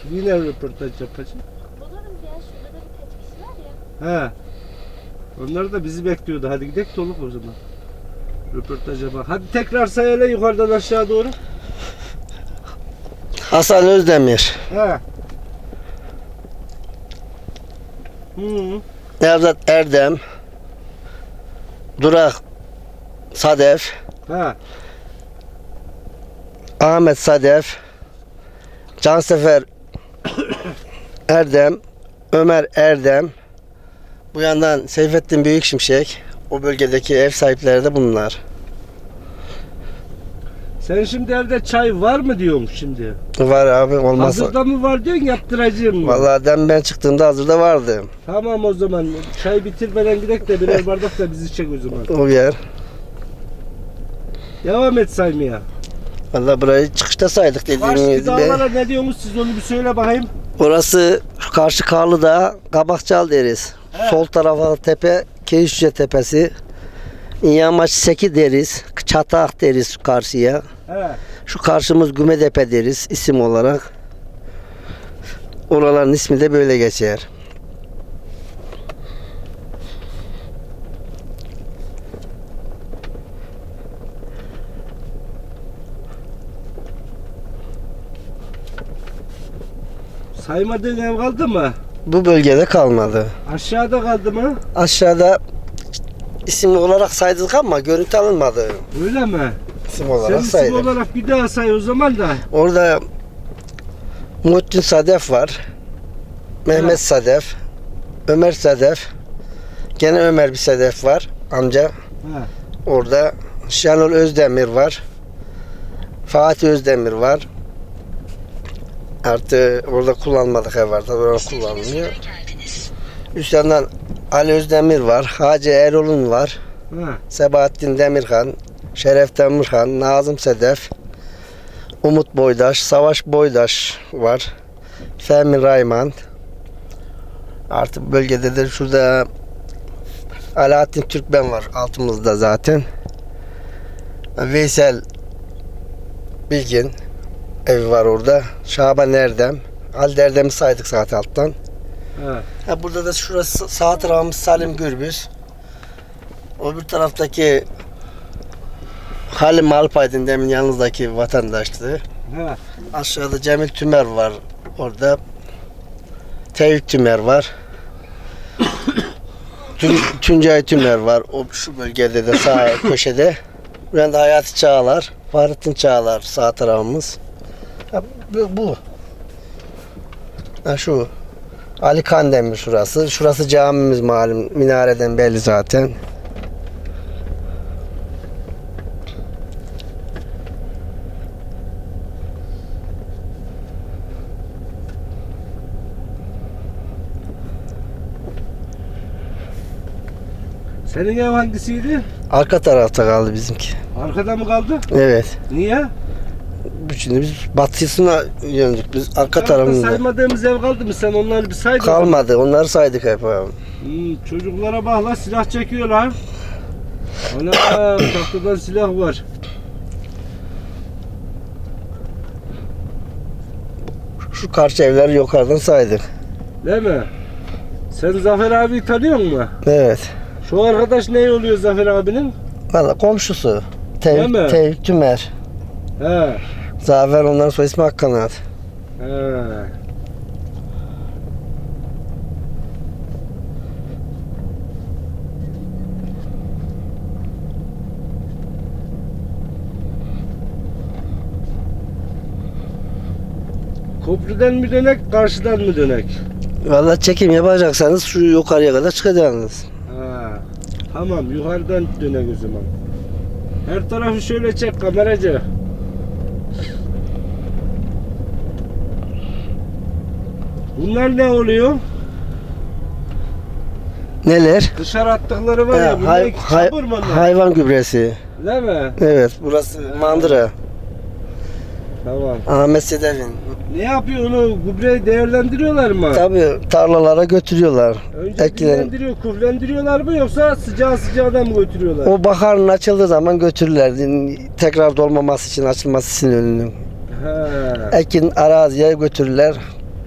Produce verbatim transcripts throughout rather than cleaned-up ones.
Yine röportaj yapacağım. Bulurum ya, şurada da birkaç kişi var ya. He. Onlar da bizi bekliyordu. Hadi gidelim Toluk o zaman. Röportaja bak. Hadi tekrar say hele yukarıdan aşağı doğru. Hasan Özdemir, He. Hı. Nevzat Erdem, Durak Sadef, He. Ahmet Sadef, Cansefer Erdem, Ömer Erdem, bu yandan Seyfettin Büyük Şimşek, o bölgedeki ev sahipleri de bunlar. Sen şimdi evde çay var mı diyormuş şimdi? Var abi, olmazsa. Hazırda mı var diyorsun, yaptıracağım mı? Vallahi dem ben çıktığımda hazırda vardı. Tamam o zaman. Çay bitirmeden gidelim de birer bardak da bizi çek o zaman. O yer. Devam et saymaya. Vallahi burayı çıkışta saydık Karşı dediğimiz gibi. dağlara ne diyorsunuz siz, onu bir söyle bakayım. Orası şu karşı Karlıdağ, Kabakçal deriz. He. Sol tarafa tepe Keyişçe Tepesi. Yamaç Seki deriz. Çatak deriz karşıya. He. Şu karşımız Gümedepe deriz isim olarak. Oraların ismi de böyle geçer. Saymadığın ev kaldı mı? Bu bölgede kalmadı. Aşağıda kaldı mı? Aşağıda isim olarak saydık ama görüntü alınmadı. Öyle mi? İsim Sen olarak isim saydık. olarak bir daha say o zaman da. Orada Muhittin Sadef var. Mehmet Evet. Sadef. Ömer Sadef. Gene Ömer bir Sadef var. Amca. He. Orada Şenol Özdemir var. Fatih Özdemir var. Artı orada kullanmadık ev var. Tabii orada kullanılmıyor. Üst yandan Ali Özdemir var. Hacı Erol'un var. He. Sebahattin Demirhan. Şeref Demirhan. Nazım Sedef. Umut Boydaş. Savaş Boydaş var. Fehmi Rayman. Artık bölgede de şurada Alaaddin Türkmen var altımızda zaten. Veysel Bilgin evi var orada. Şaban Erdem. Ali Erdem'i saydık zaten alttan. He. Ha, burada da şurası sağ tarafımız Salim Gürbüz. Öbür taraftaki Halim Alpaydın demin yanınızdaki vatandaştı. He. Aşağıda Cemil Tümer var orada. Tevfik Tümer var. Tün, Tuncay Tümer var. O şu bölgede de sağ köşede. Buraya da Hayati Çağlar, Fahrettin Çağlar sağ tarafımız. Ha, bu. bu. Ha, şu Ali Kandemir şurası. Şurası camimiz malum. Minareden belli zaten. Senin ev hangisiydi? Arka tarafta kaldı bizimki. Arkada mı kaldı? Evet. Niye? Şimdi biz batısına yöndük. Biz arka Tarafta tarafımızda. saymadığımız ev kaldı mı? Sen onları bir saydın. Kalmadı. Onları saydık hep abi. Hmm, çocuklara bak la, silah çekiyorlar. Ana tahtadan silah var. Şu karşı evleri yukarıdan saydık. Değil mi? Sen Zafer abi tanıyor musun? Evet. Şu arkadaş ne oluyor Zafer abinin? Valla komşusu. Değil mi? Tevfik, Tevfik Tümer. He. Zafer onların soy ismi Akkanat. He. Köprüden mi dönek, karşıdan mı dönek? Valla çekim yapacaksanız şu yukarıya kadar çıkacaksınız. Ha. Tamam, yukarıdan dönek o zaman. Her tarafı şöyle çek kameracı. Bunlar ne oluyor? Neler? Dışarı attıkları var Ha, ya, bunlar hay- iki hay- çamur mu onlar? hayvan gübresi. Değil mi? Evet, burası mandıra. Tamam. Ahmet Sedef'in. Ne yapıyor onu? Gübreyi değerlendiriyorlar mı? Tabii tarlalara götürüyorlar. Önce Eklerin. dinlendiriyor, kuflendiriyorlar mı yoksa sıcağı sıcağına mı götürüyorlar? O baharın açıldığı zaman götürürler. Tekrar dolmaması için, açılması için önünün. He. Ekin araziye götürürler.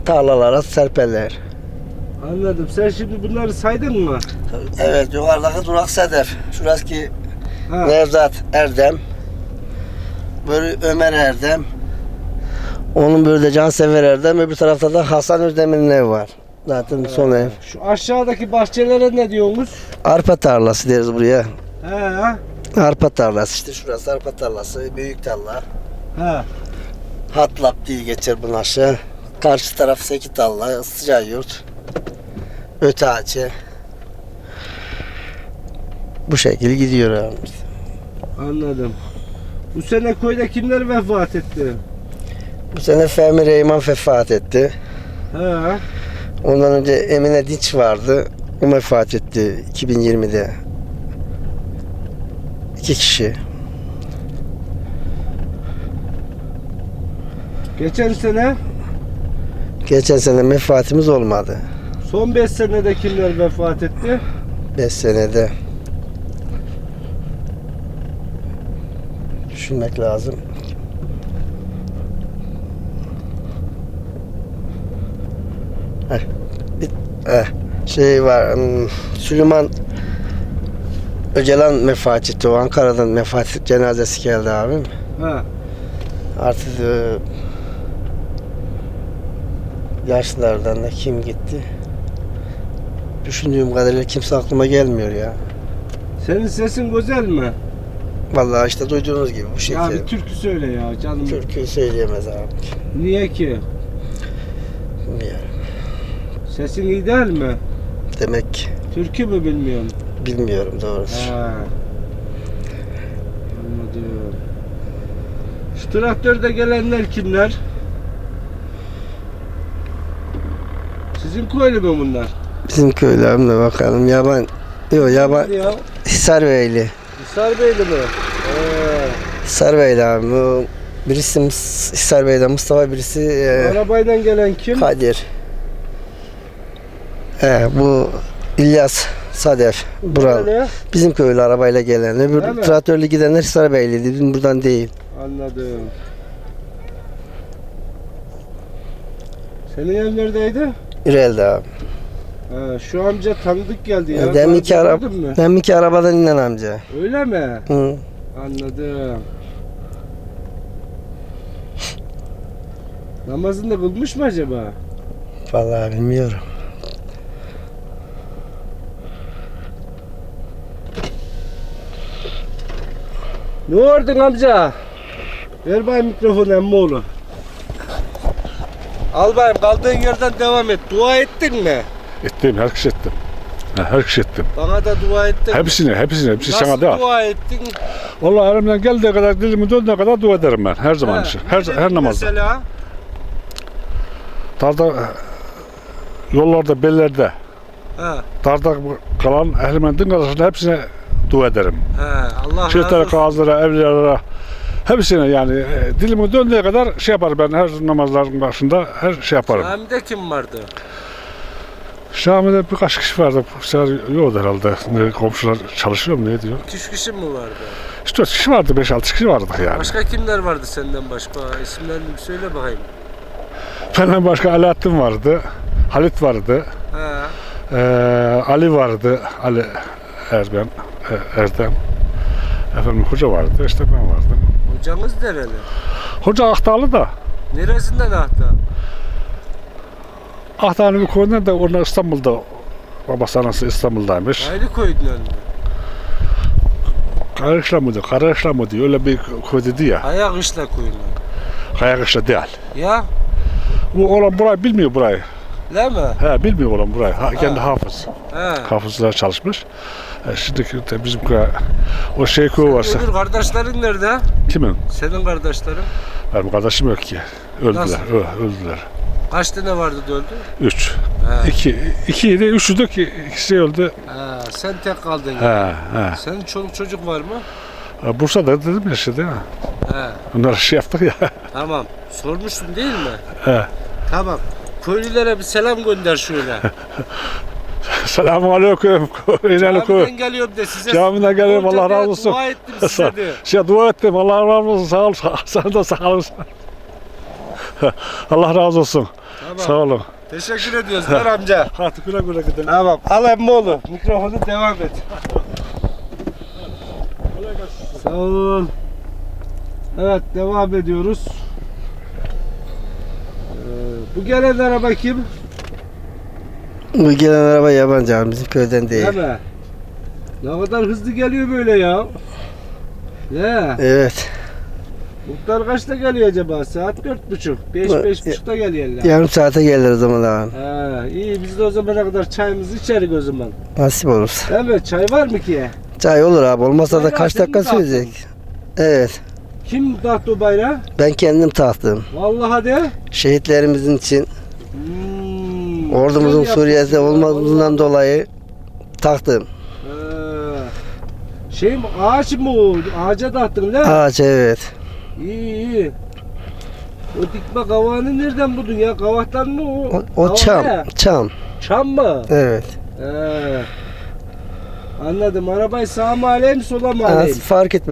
tarlalara serperler. Anladım. Sen şimdi bunları saydın mı? Evet, yukarıdaki durak Sedef. Şurası ki Ha. Nevzat Erdem. Böyle Ömer Erdem. Onun böyle de Cansever Erdem. Öbür tarafta da Hasan Özdemir'in evi var. Zaten son ev. Şu aşağıdaki bahçelere ne diyorsunuz? Arpa tarlası deriz buraya. He. Arpa tarlası işte şurası arpa tarlası. Büyük tarla. He. Hatlap diye geçer bunun aşağı. Karşı taraf Seki tarla. Sıcak yurt. Öte ağacı. Bu şekilde gidiyor abi. Anladım. Bu sene köyde kimler vefat etti? Bu sene Fehmi Reyman vefat etti. He. Ondan önce Emine Dinç vardı. O vefat etti iki bin yirmide. İki kişi. Geçen sene, Geçen sene vefatımız olmadı. son beş senede kimler vefat etti? beş senede. Düşünmek lazım. Heh, bir, eh, şey var. hmm, Süleyman Öcalan vefat etti. O Ankara'dan vefat cenazesi geldi abim. He. Artık e, yaşlılardan da kim gitti? Düşündüğüm kadarıyla kimse aklıma gelmiyor ya. Senin sesin güzel mi? Vallahi işte duyduğunuz gibi bu Ya şekilde. bir türkü söyle ya canım. Türküyü söyleyemez abi. Niye ki? Bilmiyorum. Sesin iyi değil mi? Demek ki Türkü mü bilmiyorum. bilmiyorum doğrusu. He. Anladım. Şu traktörde gelenler kimler? Sizin köylü mü bunlar? Bizim köylerimle bakalım. Yaban yok yaban Hadi ya. Hisarbeyli. Hisarbeyli mi? Ee, Hisarbeyli abi. Bu birisi Mus- Hisarbeyli'den Mustafa birisi e, arabayla gelen kim? Kadir. He, bu İlyas Sadef. Buralı. Nereli? Bizim köylü arabayla gelen. Değil mi? Öbür traktörlü gidenler Hisarbeyli'ydi. Bizim buradan değil. Anladım. Senin ev neredeydi? İrel'de abi. Ha, şu amca tanıdık geldi ya. Deminki, Daha ara gördün mü? deminki arabadan inen amca. Öyle mi? Hı. Anladım. Namazını da kılmış mı acaba? Vallahi bilmiyorum. Ne ordun amca? Ver bayım mikrofonu emmoğlu. Al bayım kaldığın yerden devam et. Dua ettin mi? Ettim, herkes ettim. Ha, herkes ettim. Bana da dua ettin. Hepsini, hepsini, hepsi Nasıl sana da. dua ettin? Vallahi elimden geldiği kadar, dilimi döndüğü kadar dua ederim ben. Her zaman Ha, için. ne Her, dedin her namazda. Mesela? Darda, yollarda, bellerde, Ha, darda kalan ehlimin din kardeşlerine hepsine dua ederim. ha, Allah razı Şeytlere, olsun. kağızlara, evliyalara, hepsine yani e, dilimin döndüğü kadar şey yaparım ben her namazların başında her şey yaparım. Cami'de kim vardı? Şami'de birkaç kişi vardı. Bu sefer yoktu herhalde. Ne, komşular çalışıyor mu ne diyor? İki üç kişi mi vardı? üç dört kişi vardı, beş altı kişi vardı yani. Başka kimler vardı senden başka? İsimlerini bir söyle bakayım. Benden başka Alaaddin vardı, Halit vardı, Ha, eee, Ali vardı, Ali Erdem, e, Erdem, efendim hoca vardı, işte ben vardım. hocanız nereli? Hoca Akdağlı da, Neresinden ahta? Akdağlı'nın bir köyünden de onlar İstanbul'da, babası anası İstanbul'daymış. Ayrı koydun önüne. Kayakışla mıydı, Karaışla mıydı, öyle bir köy dedi ya, Ayak işle koyun. Kayakışla değil. Ya, Bu olan burayı bilmiyor burayı, değil mi? he bilmiyor olan burayı, ha, kendi hafız, He. hafızlar çalışmış. E, şimdiki de bizim köy, o şey köy varsa, Öbür kardeşlerin nerede? kimin? Senin kardeşlerin. Benim kardeşim yok ki, öldüler, Nasıl? ö- öldüler. Kaç tane vardı da öldü? Üç. He. İki, ikiydi, üçü de ki ikisi öldü. Ha, sen tek kaldın. He, he. Senin çoluk çocuk var mı? Ha, Bursa'da dedim ya işte değil mi? He. Onlara şey yaptık ya. Tamam. Sormuştun değil mi? He. Tamam. Köylülere bir selam gönder şöyle. Selamun aleyküm. İnelim köy. Camiden geliyorum de size. Camiden geliyorum, Hoca Allah de razı olsun. Dua ettim size de. Şey dua ettim, Allah razı olsun, sağ ol, sana da sağ olasın. Allah razı olsun. Tamam. Sağ olun. Teşekkür ediyoruz Ver amca. Hadi güle güle gidelim. Tamam. Al emmoğlu. Mikrofonu devam et. Sağ olun. Evet devam ediyoruz. Ee, bu gelen araba kim? Bu gelen araba yabancı abi, bizim köyden değil. Değil mi? Ne kadar hızlı geliyor böyle ya. Ne? Evet. Muhtar kaçta geliyor acaba? Saat dört buçuk. Beş, Bu- beş buçukta geliyorlar. Yarım saate gelir o zaman abi. Ha, iyi biz de o zamana kadar çayımızı içerik o zaman. Nasip olursa. Değil mi? Çay var mı ki? Çay olur abi. Olmasa da Bayrağı kaç senin dakika mi taktın? sürecek. Evet. Kim taktı o bayrağı? Ben kendim taktım. Vallahi de. Şehitlerimizin için, Hmm, ordumuzun güzel Suriye'de yapmışsın ya, olmadığından vallahi. dolayı taktım. Ee, şey mi? Ağaç mı o? Ağaca taktın değil mi? Ağaç, evet. İyi iyi. O dikme kavağını nereden buldun ya? Kavaktan mı o? O, o Kavak çam. ne? Çam. Çam mı? Evet. Ee, anladım. Arabayı sağa mı alayım sola mı Az alayım? fark etmez.